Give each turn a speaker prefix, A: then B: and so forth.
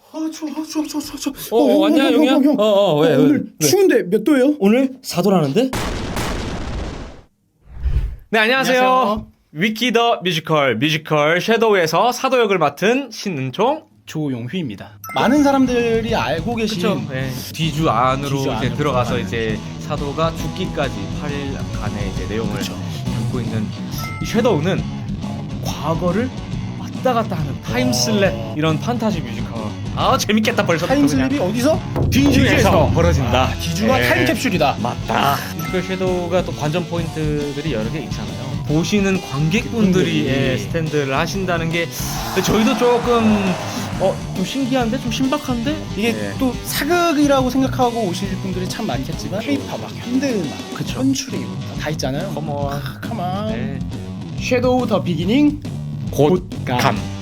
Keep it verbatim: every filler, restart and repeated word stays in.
A: 아 추워 추워 추워 추워 추워.
B: 어, 어, 왔냐,
A: 형,
B: 용이야?
A: 형, 형.
B: 어, 어, 왜,
A: 어,
B: 왜,
A: 오늘
B: 왜?
A: 추운데 몇 도예요?
B: 오늘 사도라는데? 네, 안녕하세요.
A: 안녕하세요.
B: 위키 더 뮤지컬 뮤지컬 섀도우에서 사도 역을 맡은 신은총.
A: 조용휘입니다. 많은 사람들이 알고 계신
B: 그쵸? 네. 뒤주 안으로
A: 뒤주
B: 이제
A: 안으로
B: 들어가서
A: 들어가는.
B: 이제 사도가 죽기까지 팔 일간의 이제 내용을
A: 그쵸.
B: 담고 있는 이 섀도우는 어, 과거를 왔다 갔다 하는 타임슬랩 이런 판타지 뮤지컬. 아 재밌겠다 벌써부터.
A: 타임슬립이 어디서?
B: 뒤주에서 벌어진다.
A: 아, 뒤주가
B: 네.
A: 타임캡슐이다.
B: 맞다. 뮤지컬 섀도우가 또 관전 포인트들이 여러 개 있잖아요. 보시는 관객분들이
A: 분들이.
B: 예, 스탠드를 하신다는 게 저희도 조금 어, 좀 신기한데? 좀 신박한데?
A: 이게
B: 예.
A: 또 사극이라고 생각하고 오실 분들이 참 많겠지만 K-팝, 현대음악,
B: 그쵸.
A: 현출이 다 있잖아요.
B: 컴온.
A: 아, 컴온.
B: 네.
A: 섀도우 더 비기닝
B: 곧감.